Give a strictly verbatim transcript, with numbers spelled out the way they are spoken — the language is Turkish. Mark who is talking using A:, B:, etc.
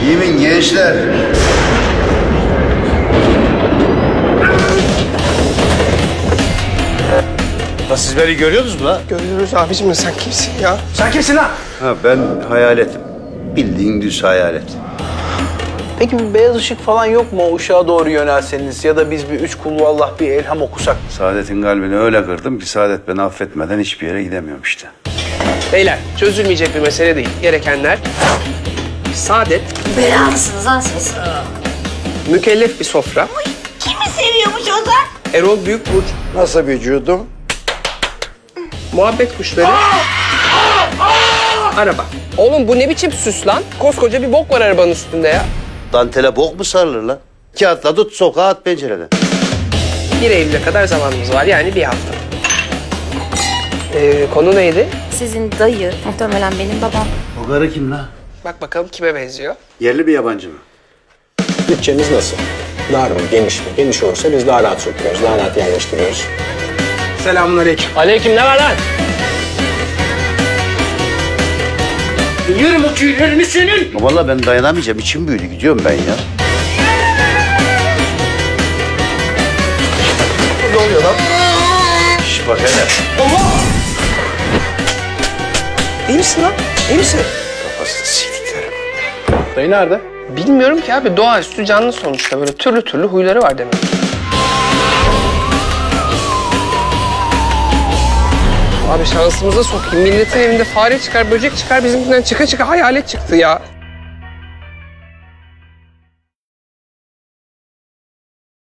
A: Yemin gençler.
B: La siz beni görüyorsunuz mu la?
C: Görüyoruz abicim, sen kimsin ya?
B: Sen kimsin lan?
A: Ha ben hayaletim. Bildiğin düz hayalet.
D: Peki bir beyaz ışık falan yok mu o ışığa doğru yönelseniz ya da biz bir üç kullu Allah bir elham okusak?
A: Saadet'in kalbini öyle kırdım ki Saadet beni affetmeden hiçbir yere gidemiyorum işte.
C: Beyler, çözülmeyecek bir mesele değil. Gerekenler saadet,
E: Belalısınız lan siz.
C: mükellef bir sofra,
E: Kimi seviyormuş Ozan?
C: Erol Büyükburç,
F: Nasıl vücudum?
C: muhabbet kuşları, araba. Oğlum bu ne biçim süs lan? Koskoca bir bok var arabanın üstünde ya.
A: Dantele bok mu sarılır lan? Kağıtla tut sokağa at pencereden.
C: bir Eylül'e kadar zamanımız var, yani bir hafta. Ee, konu neydi?
E: Sizin dayı muhtemelen benim babam.
A: O karı kim lan?
C: Bak bakalım kime benziyor.
A: Yerli bir yabancı mı?
G: Bütçemiz nasıl? Dar mı, geniş mi? Geniş olursa biz daha rahat sokuyoruz, daha rahat yerleştiriyoruz.
C: Selamünaleyküm.
G: Aleyküm, ne var lan?
B: Yerim o tüylerini senin.
A: Vallahi ben dayanamayacağım. İçim büyüdü. Gidiyorum ben ya.
C: Ne oluyor lan?
A: Şş bak hele.
C: İyi misin lan? İyi misin?
A: Kafasını siktiklerim.
G: Dayı nerede?
C: Bilmiyorum ki abi, doğaüstü canlı sonuçta. Böyle türlü türlü huyları var demek. Abi şansımıza sokayım. Milletin evinde fare çıkar, böcek çıkar. Bizimkinden çıka çıka hayalet çıktı ya.